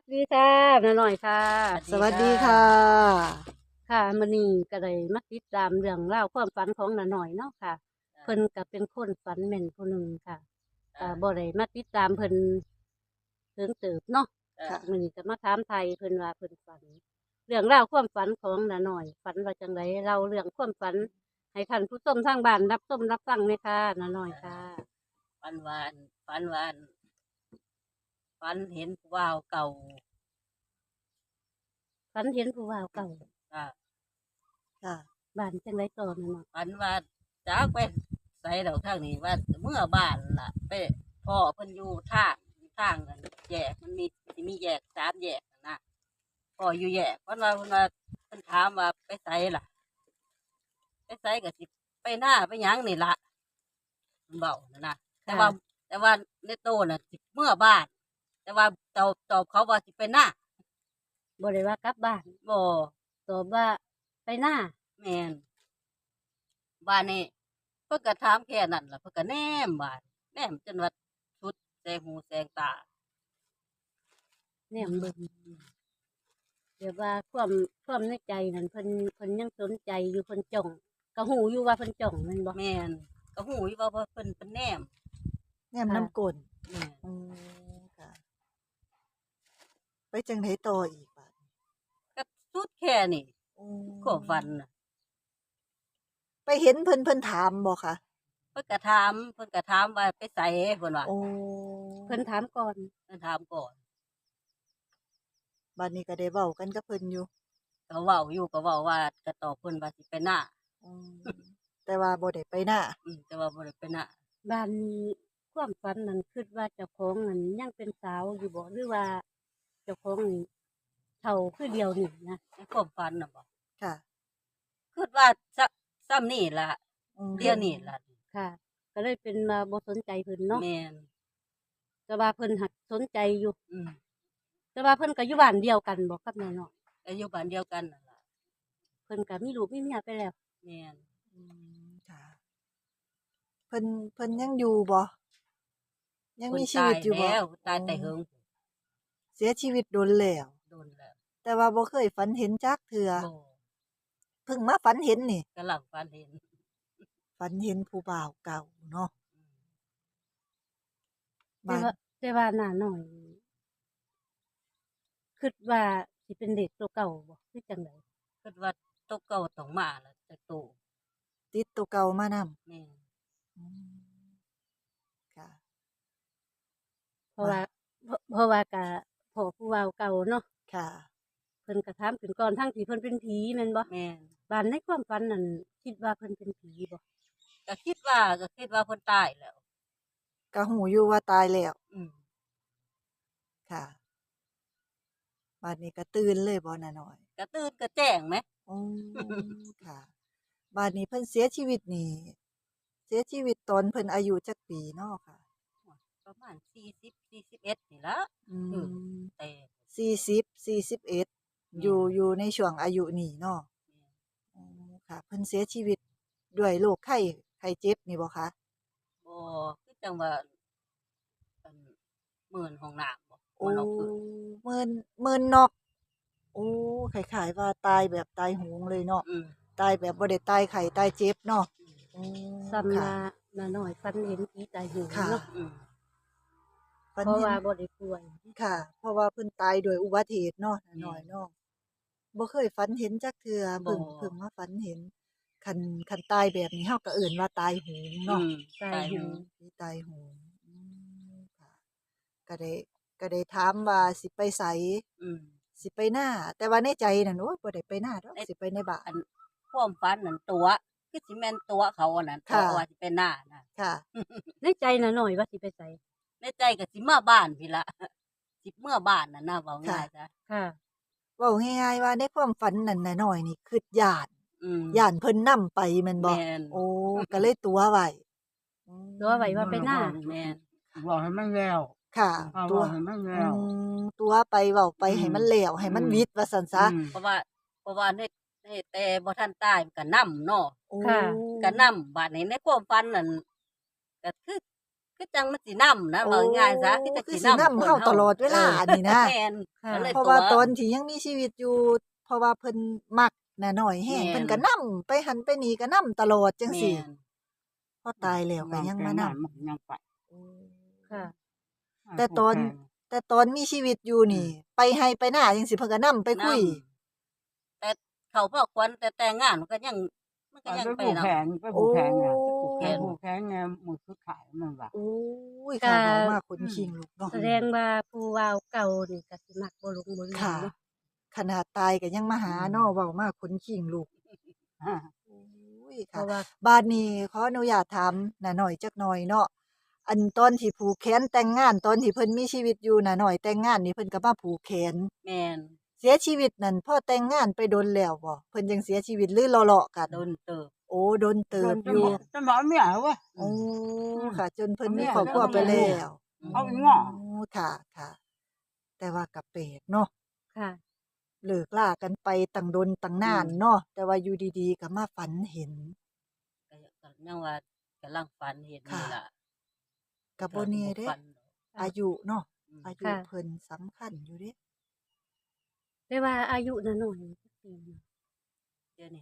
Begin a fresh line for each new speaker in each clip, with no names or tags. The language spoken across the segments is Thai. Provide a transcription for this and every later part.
ดีค่ะน้าหน่อยค่ะ
สวัสดีค่ะ
ค่ะมื้อนี้ก็ได้มาติดตามเรื่องราวความฝันของน้าหน่อยเนาะค่ะเพิ่นก็เป็นคนฝันแม่นผู้หนึ่งค่ะบ่ได้มาติดตามเพิ่นเพิ่งเติบเนาะ
ค่ะ
มื้อนี้ก็มาถามไทยเพิ่นว่าเพิ่นฝันเรื่องราวความฝันของน้าหน่อยฝันว่าจังไดเล่าเรื่องความฝันให้ท่านผู้ชมทางบ้านรับชมรับฟังเลยค่ะน้าหน่อยค่ะ
ฝันวานฝันวานฝันเห็นผู้บ่าวเก่า
ฝันเห็นผู้บ่าวเก่า
อ่า
ค่ะ
บ้านจังไดต่อน้าหน่อย
ฝันว่าจากไปใส่ดอกทางนี้ว่าเมื่อบ้านล่ะไปพ่อเพิ่นอยู่ทางกันแยกมันมีแยก3แยกนะพ่ออยู่แยกเพิ่นถามว่าไปใส่ล่ะไปใส่ก็สิไปหน้าไปหยังนี่ล่ะเพิ่นเว้านะแต่ว่าในโตน่ะสิเมื่อบ้าน แต่ว่าตอบเขาว่าสิไปหน้า
บ่ได้ว่ากลับบ้าน
บ่
ตอบว่าไปหน้า
แม่นบ้านนี้เพิ่นก็ถามแค่นั้นล่ะเพิ่นก็แนมบ้านแนมจนว่าสุดแสงหูแสงตา
แนมเบิ่งเดี๋ยวว่าความในใจนั่นเพิ่นยังสนใจอยู่เพิ่นจ้องก็หูอยู่ว่าเพิ่นจ้องแม่นบ่
แม่นก็หูอยู่ว่าเพิ่นเป็นแนม
แนมน้ำกลน
แม่น
อืมค่ะ ไปจังไดต่ออีกบาดนี้
ก็สุดแค่นี้
อื
ความฝัน
ม
น่ะ
ไปเห็นเพิ่นถามบ่คะ
เพิ่นก็ถามว่าไปไสเพิ่นว่า
โอ้
เพิ่นถามก่อน
เพิ่นถามก่อน
บัดนี้ก็ได้เว้ากันกับเพิ่นอยู่
ก็เว้าอยู่ก็เว้าว่าก็ตอบเพิ่นว่าสิไปหน้า
อืมแต่ว่าบ่ได้ไปนา
แต่ว่าบ่ได้ไปหน้า
บ้านนี้ความฝันนั้นคิดว่าเจ้าของนั้นยังเป็นสาวอยู่บ่หรือว่าเจ้าของนี่เฒ่าคือเดียวนี่นะ
ในความฝันน่ะบ่
ค่ะ
คิดว่าซ้ำนี่ล่ะ
อื
เดี๋ยวนี้
ม
ล่ะ
ค่ะก็เลยเป็นว่าบ่สนใจเพิ่นเนาะ
แม่น
แต่ว่าเพิ่นหักสนใจอยู่
อืม
แต่ว่าเพิ่นก็อยู่บ้านเดียวกันบ่กับน้าน้อย
ก็อยู่บ้านเดียวกันนั่นล่ะ
เพิ่นก็มีลูกมีเมียไปแล้ว
แม่น
อืมค่ะเพิ่นเพิ่นยังอยู่บ่ยัง
เพิ่น
มีชี
ตาย
วิตอยู่บ่
แล้วตาย
อ๋อ
แต่เฮิง
เสียชีวิตโดนแล้ว
โดนแล้ว
แต่ว่าบ่เคยฝันเห็นจักเทื่อ
บ่
เพิ่งมาฝันเห็นนี่
กำลังฝันเห็น
ฝันเห็นผู้บ่าวเก่าเนาะ
อืม
แต่
บ้าน
ว่าแต่ว่าน้าน้อยคิดว่าสิเป็นเด็กตัวเก่าบ่คือจังได
คิดว่าตกเก่าต้องมาแล้วแต่โต
ติดตัวเก่ามานำ
แม่น
อืมค่ะ
เพราะ
บ้า
ว่าเพราะว่าก็พ่อผู้เว้าเก่าเนาะ
ค่ะ
เพิ่นก็ถามขึ้นก่อนทั้งที่เพิ่นเป็นผีแม่นบ่
แม่น
บัดในความฝันนั่นคิดว่าเพิ่นเป็นผีบ่
ก็คิดว่าเพิ่นตายแล้ว
ก็หูอยู่ว่าตายแล้ว
อืม
ค่ะบัดนี้ก็ตื่นเลยบ่น่ะน้อย
ก็ตื่นก็แจ้งไหม
อืมค่ะบัดนี้เพิ่นเสียชีวิตนี่เสียชีวิตตอนเพิ่นอายุจักปีเนาะค่ะ
ประมาณ40 41นี่ล่ะ
อื
อือ
ม
แต่
40 41
แม่
อยู่ในช่วงอายุนี้เนาะ
แม่น
อ๋อค่ะเพิ่นเสียชีวิตด้วยโรคไข้เจ็บนี่บ่คะ
บ่คือจังว่าอันหมื่นห้องน้ำบ่
โอ้
บ่นอกพื้น
มื้นน็อก โอ้คล้ายๆว่าตายแบบตายโหงเลยเนาะ
อืม
ตายแบบบ่ได้ตายไข้ตายเจ็บเนาะ
อืม
อื
ซ้ำ
ค่ะ
ว่าน้าน้อยฝันเห็นผีตายโหง
ค่ะ
เนาะ
อืม
ฝันเห็น
เพราะว่าบ่ได้ป่วย
ค่ะ เพราะว่าเพิ่นตายด้วยอุบัติเหตุเนาะน้า
แม่น
น้อยเนาะบ่เคยฝันเห็นจักเทื่อ
บ่
เพิ่งมาฝันเห็นคันตายแบบนี้เฮาก็เอิ้นว่าตายโหง
อื
เนาะ
ม
ตายโหง
ตายโหง
ผีตายโหงค่ะก็ได้ก็ได้ถามว่าสิไปไส
อืม
สิไปนาแต่ว่าในใจนั่นโอ๊ยบ่ได้ไปนาดอก
ใน
สิไปในบ้าน
อันความฝันนั่นตัวคือสิแม่นตัวเขาอันนั้นตัว
ค่ะ
ว่าสิเป็นหน้าน่ะ
ค่ะ
ในใจน้าน้อยว่าสิไปไส
ในใจก็สิมาบ้านพี่ละสิเมื่อบ้านน่ะนะเว้า
ค่ะ
ง่ายซะ
ค่ะ
เว้าง่ายๆว่าในความฝันนั่นน่ะน้อยนี่คิดย้าน
อืม
ย้านเพิ่นนำไปแม่นบ่
แม่น
โอ้ก็เลยตั๋วไว้อื
ตัวไว้ว่าไปหน้า
แม่น
บอกให้มันแล้ว
ค่ะตั๋ว
บอกให้มัน
อื
แล้ว
ตั๋วไปเว้าไป
อืม
ให้มันแล้วให้มัน
อืม
วิดว่าซั่นซะ
อืม
เพราะว่าในแต่บ่ทันตายมันก็นำเนาะ
โอ้
ค่ะ
ก็นำบัดนี้ในความฝันนั่นก็คือคือจังมันสินํนะเว้าง่ายๆซะคือจัง
คือ
สิ
สิ
นำ
นำเฮาตลอดเวลานี่นะ
แม่น
ค่ะ
ก็เลย
เพราะว่าตอนที่ยังมีชีวิตอยู่ เพราะว่าเพิ่นมักน่ะน้อยแฮง
แม่น
เพิ่นก็นำไปหันไปนี่ก็นำตลอดจัง
แม่
ซี่
น
พอตายแล้วก็ยังมานำ
มันก็ยังไป
ค่ะ
แต่ตอนมีชีวิตอยู่นี่ ไปไร่ไปนาจังซี่เพิ่นก็นำไปคุย
แต่เขาพ่อควันแต่แต่งงานมันก็ยัง
ไป
ไป
ผูก
นํ
แขนไปผูกแขนไง
โอ้
ไปผูกแขนไงมือคือขายมันว่า
โอ้ยค่ะ
ก็
เว้ามาขนขิงลุกเนาะ
แสดงว่าผู้เว้าเก่านี่ก็สิมักบ่หลงบ่ลืม
ค่ะ
เนาะ
ขนาดตายก็ยังมาหาเนาะเว้ามาขนขิงลุก โอ้ย
เพ
ค่ะ
ราะว่า
บาดนี้ขออนุญาตถามน้าน้อยจักหน่อยเนาะ อันตอนที่ผูกแขนแต่งงานตอนที่เพิ่นมีชีวิตอยู่น้าน้อยแต่งงานนี่เพิ่นก็มาผูกแขน
แม่น
เสียชีวิตนั่นพอแต่งงานไปโดนแล้วบ่เพิ่นจังเสียชีวิตหรือเลาะๆกัน
โดนเติบ
โอ้โดนเติบ
จะ
อยู่
จะบอกเมียเว้ย
โอ้ค่ะ จนเพิ่น
เอาเมี
มี
ย
ครอบครัวไป
เอาเมี
แล้
ย
ว
เอาอีง้อ
โอ้ค่ะค่ะ แต่ว่าก็แปลกเนาะ
ค่ะ
เลิกลากันไปตั้งดนตั้งนานเนาะแต่ว่าอยู่ดีๆก็มาฝันเห็น
ก็ยังว่ากำลังฝันเห็นนี่ล่ะ
ก็บ่แน่เด้
ฝัน
อายุเนาะ
อืม
อายุ
ค่ะ
เพิ่นสำคัญอยู่เด้
แต่ว่าอายุน้าน้อยนี่จักปีเนาะ
เดี๋ยวนี้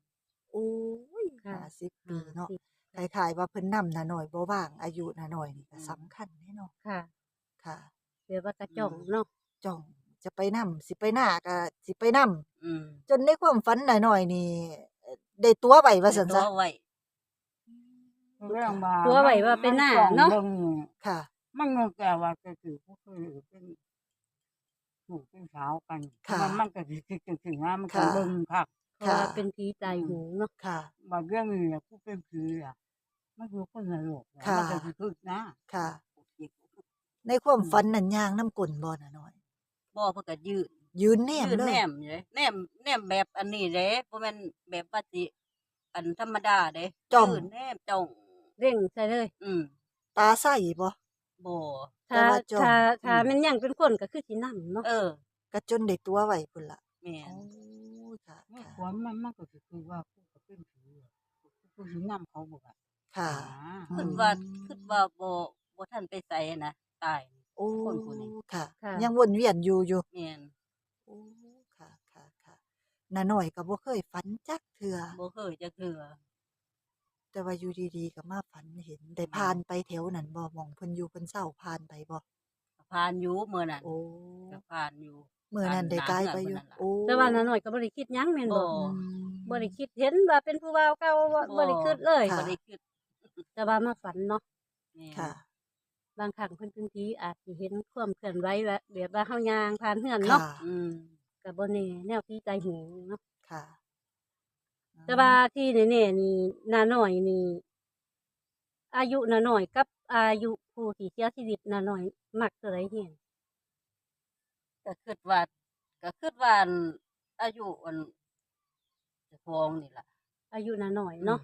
50
โอ้ย
ค่ะ
50 ปีเนาะ
50
คล้ายๆว่าเพิ่นนำน้าน้อยบ่ว่างอายุน้าน้อยนี่ก็สำคัญเด้เนาะ
ค่ะ
ค่ะ
เดี๋ยวว่ากระจ่องเนาะ
จ้องจะไปนำสิไปนาก็สิไปนำ
อืม
จนในความฝันน้าน้อยนี่ได้ตั๋วไว้ว่าซั่น
ตั
ซะ
วไว้
เรื่องมา
ตัวไว้ว่าเป็นหน้าเนาะ
ค่ะ
มันก็แก่ว่าก็คือพวกคือเป็นถูกเป็นสาวกัน
ค่ะ
มันก็คือนะมันก็
ค่ะ
เบิ่งคัก
เพราะว่าเป็นผีตายโหงเนาะ
ค่ะ
บางเรื่องนี่น่ะผู้เป็นผีอ่ะมันคือคนนรกอะ
ค่ะ
มันก็คือนะ
ค่ะ ในความฝันนั่นย่างน้ำกลนบ่น้าน้อย
บ่เพิ่นก็ยืน
ยืนแนม
ยืน
เล
แน
ย
มอยู่เด้แนมแบบอันนี้เด้บ่แม่นแบบว่าสิอันธรรมดาเด้
จ้อง
ยืนแนมจ้อง
เร่งใส่เลย
อืม
ตาใสบ่
บ่
แต่
ถ้า
ว่าจ้อง
ถ้ามันยังเป็นคนก็คือสินํเนาะ
เออ
ก็จนได้ตั๋วไว้พุ่นล่ะ
แม่
โอ้
น
ค่ะ
เมื่อ
ค่ะ
ก่อนมันก็คือว่าผู้ก็เป็นผีอะผู้สินำเขาบ่ว่า
ค่ะ
คิดว่าบ่ทันไปไสนะตาย
โอ้
คนผู้นี้
ค่ะ
ค่ะ
ยังวนเวียนอยู่
แม่น
โอ้ค่ะค่ะค่ะน้าน้อยก็บ่เคยฝันจักเทื่อ
บ่เคยจักเทื่อ
แต่ว่าอยู่ดีๆก็มาฝันเห็นได้ผ่านไปแถวนั้นบ่หม้องเพิ่นอยู่เพิ่นเช้าผ่านไปบ่
ผ่านอยู่มื้อนั้น
โอ้
ก็ผ่านอยู่
มื้อนั้นได้กายไปอยู่ โอ้
แต่ว่าน้าน้อยก็บ่ได้คิดหยังแม่นบ่
บ่
บ่ได้คิดเห็นว่าเป็นผู้เว้าเก่าบ่ได้คิดเลย
ค่ะ
บ่ได้คิด
แต่ว่ามาฝันเนาะ
แม่น
ค่ะ
บางครั้งเพิ่นเป็นผีอาจสิเห็นความเคลื่อนไหวแบบว่าเฮาย่างผ่านเฮือน
ค่ะ
เนาะ
อืม
ก็บ่แน่แนวผีตายโหงเนาะ
ค่ะ
แต่ว่าที่แน่ๆนี่น้าน้อยนี่อายุน้าน้อยกับอายุผู้ที่เสียชีวิตน้าน้อยมักตัวใดแฮง
ก็คิดว่าอันอายุอันเจ้าของนี่ล่ะ
อายุน้าน้อยเนาะ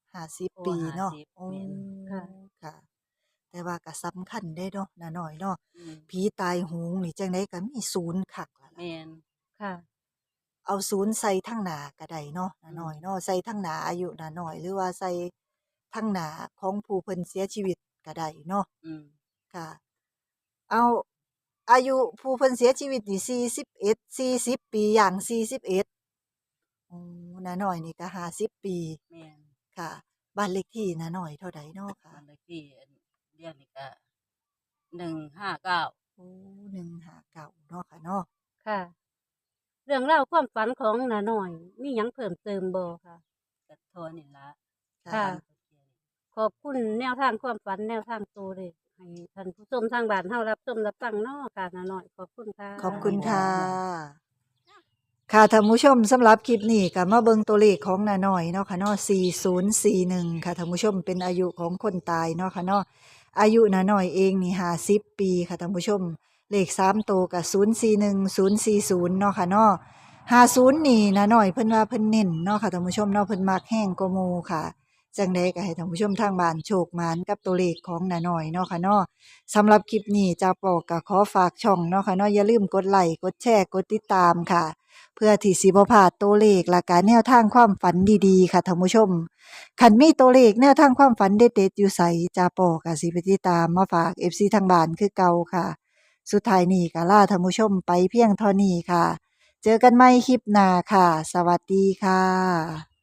50 ปีเนาะ
50
โอ้
แม่น
ค่ะ
ค่ะ แต่ว่าก็สำคัญได้เนาะน้าน้อยเนาะ
อืม
ผีตายโหงนี่จังไดก็มีศูนย์คักล่ะล่ะ
แม่น
ค่ะ
เอาศูนย์ใส่ทั้งหน้าก็ได้เนาะน้าน้อยเนาะใส่ทั้งหน้าอายุน้าน้อยหรือว่าใส่ทั้งหน้าของผู้เพิ่นเสียชีวิตก็ได้เนาะ
อืม
ค่ะ เอาอายุผู้เพิ่นเสียชีวิตนี่40 ปีอย่าง41อ๋อน้าน้อยนี่ก็50 ปี
แม่น
ค่ะ บ้านเลขที่น้าน้อยเท่าใดเนาะค่ะ
บ้านเลขที่อันเรียกนี่ก็159
โอ้159เนาะค่ะเนาะ
ค่ะ เรื่องราวความฝันของน้าน้อยมีหยังเพิ่มเติมบ่ค่ะ
ก็เท่านี้ล่ะ
ค่ะ ขอบคุณแนวทางความฝันแนวทางตัวเลขให้ท่านผู้ชมทางบ้านเฮารับชมรับฟังเนาะค่ะน้าน้อยขอบคุณค่ะ
ขอบคุณค่ะ ค่ะท่านผู้ชมสำหรับคลิปนี้ก็มาเบิ่งตัวเลขของน้าน้อยเนาะค่ะเนาะ4041ค่ะท่านผู้ชมเป็นอายุของคนตายเนาะค่ะเนาะอายุน้าน้อยเองนี่50 ปีค่ะท่านผู้ชมเลข3ตัวก็041040เนาะค่ะเนาะ50นี่น้าน้อยเพิ่นว่าเพิ่นเน้นเนาะค่ะท่านผู้ชมเนาะเพิ่นมักแห้งกว่าหมู่ค่ะจังไดก็ให้ท่านผู้ชมทางบ้านโชคหมานกับตัวเลขของน้าน้อยเนาะค่ะเนาะสำหรับคลิปนี้จ้าปอก็ขอฝากช่องเนาะค่ะเนาะอย่าลืมกดไลค์กดแชร์กดติดตามค่ะเพื่อพื่อที่สิบ่พลาดตัวเลขและก็แนวทางความฝันดีๆค่ะท่านผู้ชมคันมีตัวเลขแนวทางความฝันเด็ดๆอยู่ไสจาปอก็สิไปติดตามมาฝาก FC ทางบ้านคือเก่าค่ะ สุดท้ายนี้ก็ลาท่านผู้ชมไปเพียงเท่านี้ค่ะ เจอกันใหม่คลิปหน้าค่ะ สวัสดีค่ะ